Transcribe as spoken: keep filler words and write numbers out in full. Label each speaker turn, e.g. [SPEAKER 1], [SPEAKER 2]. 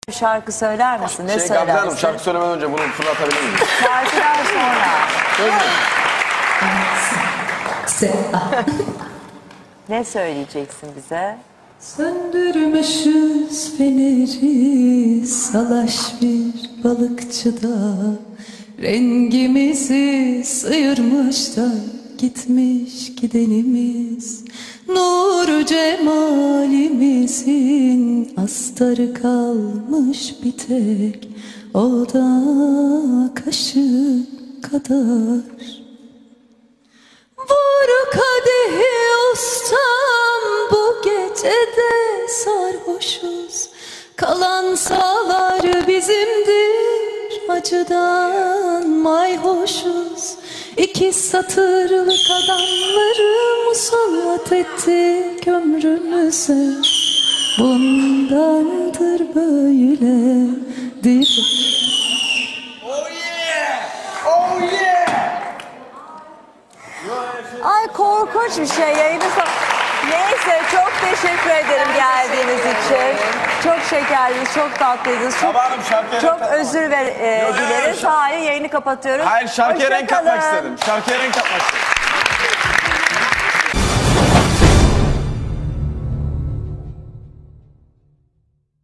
[SPEAKER 1] Şarkı söyler misin? Ne
[SPEAKER 2] Şey
[SPEAKER 1] söylersin?
[SPEAKER 2] Gamze Hanım, şarkı söylemeden önce bunu fırlatabilir miyim?
[SPEAKER 1] Şarkıdan sonra. Ne söyleyeceksin bize?
[SPEAKER 3] Söndürmüşüz feneri salaş bir balıkçıda, rengimizi sıyırmış da gitmiş gidenimiz. Nur cemalimizin astarı kalmış bir tek, o da kaşık kadar. Vur kadehi ustam, bu gecede sarhoşuz. Kalan sağlar bizimdir, acıdan mayhoşuz. İki satırlık adamları musallat ettik ömrümüze. Bundandır böyledir.
[SPEAKER 2] Oh yeah! Oh yeah!
[SPEAKER 1] Ay korkunç bir şey yayını son... Neyse çok teşekkür ederim geldiğiniz için. Çok şekerlisiniz, çok tatlıydınız. Çok,
[SPEAKER 2] Sabahım şarkıya
[SPEAKER 1] çok
[SPEAKER 2] renk katmak.
[SPEAKER 1] özür ver, e,
[SPEAKER 2] Yok, yok,
[SPEAKER 1] dileriz.
[SPEAKER 2] yok.
[SPEAKER 1] Hayır, yayını kapatıyoruz.
[SPEAKER 2] Hayır, şarkıya renk
[SPEAKER 1] Hoşça
[SPEAKER 2] katmak
[SPEAKER 1] kalın.
[SPEAKER 2] istedim. Şarkıya renk katmak istedim.